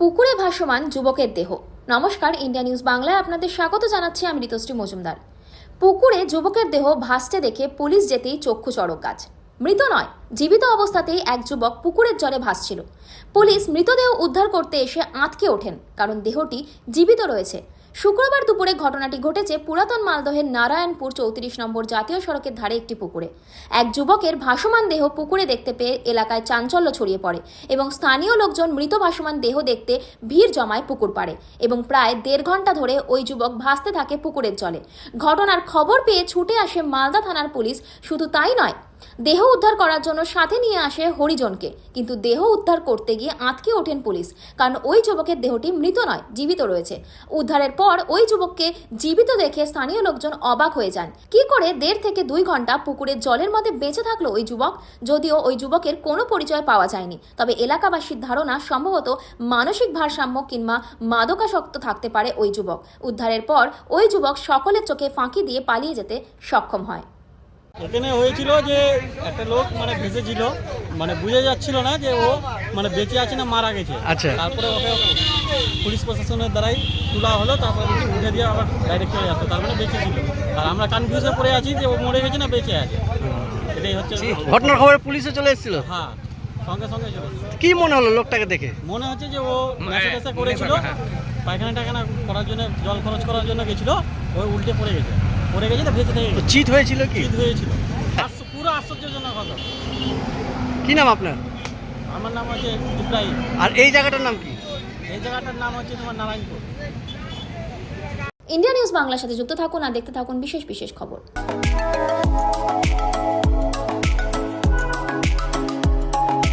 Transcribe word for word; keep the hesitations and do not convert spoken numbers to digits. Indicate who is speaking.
Speaker 1: পুকুরে ভাসমান যুবকের দেহ। নমস্কার, ইন্ডিয়া নিউজ বাংলায় আপনাদের স্বাগত জানাচ্ছি আমি ঋতুশ্রী মজুমদার। পুকুরে যুবকের দেহ ভাসতে দেখে পুলিশ যেতেই চক্ষু চড়ক গাছ। মৃত নয়, জীবিত অবস্থাতেই এক যুবক পুকুরের জলে ভাসছিল। পুলিশ মৃতদেহ উদ্ধার করতে এসে আঁতকে ওঠেন, কারণ দেহটি জীবিত রয়েছে। শুক্রবার দুপুরে ঘটনাটি ঘটেছে পুরাতন মালদহের নারায়ণপুর চৌত্রিশ নম্বর জাতীয় সড়কের ধারে একটি পুকুরে। এক যুবকের ভাসমান দেহ পুকুরে দেখতে পেয়ে এলাকায় চাঞ্চল্য ছড়িয়ে পড়ে এবং স্থানীয় লোকজন মৃত ভাসমান দেহ দেখতে ভিড় জমায় পুকুর পাড়ে এবং প্রায় দেড় ঘন্টা ধরে ওই যুবক ভাসতে থাকে পুকুরের জলে। ঘটনার খবর পেয়ে ছুটে আসে মালদা থানার পুলিশ। শুধু তাই নয়, দেহ উদ্ধার করার জন্য সাথে নিয়ে আসে হরিজনকে, কিন্তু দেহ উদ্ধার করতে গিয়ে আঁতকে ওঠেন পুলিশ, কারণ ওই যুবকের দেহটি মৃত নয়, জীবিত রয়েছে। উদ্ধারের পর ওই যুবককে জীবিত দেখে স্থানীয় লোকজন অবাক হয়ে যান। কি করে দেড় থেকে দুই ঘন্টা পুকুরের জলের মধ্যে বেঁচে থাকলো ওই যুবক? যদিও ওই যুবকের কোনো পরিচয় পাওয়া যায়নি, তবে এলাকাবাসীর ধারণা সম্ভবত মানসিক ভারসাম্য কিংবা মাদকাসক্ত থাকতে পারে ওই যুবক। উদ্ধারের পর ওই যুবক সকলের চোখে ফাঁকি দিয়ে পালিয়ে যেতে সক্ষম হয়।
Speaker 2: এখানে হয়েছিল যে একটা লোক মানে ভেসেছিল, মানে বুঝে যাচ্ছিল না যে ও মানে বেঁচে আছে না মারা গেছে।
Speaker 3: আচ্ছা।
Speaker 2: তারপরে ওকে পুলিশ প্রশাসনের দ্বারাই তোলা হলো, তারপরে দেখি উঠে দিয়ে আবার ডাইরেক্ট চলে আসতো, তার মানে বেঁচে ছিল। আর আমরা কনফিউজে পড়ে আছি যে ও মরে গেছে না বেঁচে আছে। এটাই হচ্ছে
Speaker 3: ঘটনার খবরে পুলিশে চলে এসেছিল।
Speaker 2: হ্যাঁ, সঙ্গে সঙ্গে চলে এসেছে।
Speaker 3: কি মনে হলো লোকটাকে দেখে?
Speaker 2: মনে হচ্ছে যে ও নেশা টেশা করেছিল, পায়খানা টায়খানা করার জন্য, জল খরচ করার জন্য গেছিল, ওই উল্টে পড়ে গেছে পড়ে গেছে তো ভেসে থেকে গেছে।
Speaker 3: চিট হয়েছিল কি?
Speaker 2: শীত হয়েছিল। আশ্চ- পুরো আশ্চর্যজনক কথা।
Speaker 3: কি নাম আপনার?
Speaker 2: আমার নাম হচ্ছে ইব্রাহিম।
Speaker 3: আর এই জায়গাটার নাম কি?
Speaker 2: এই জায়গাটার নাম হচ্ছে তোমার নারায়ণপুর।
Speaker 1: ইন্ডিয়া নিউজ বাংলার সাথে যুক্ত থাকুন আর দেখতে থাকুন বিশেষ বিশেষ খবর।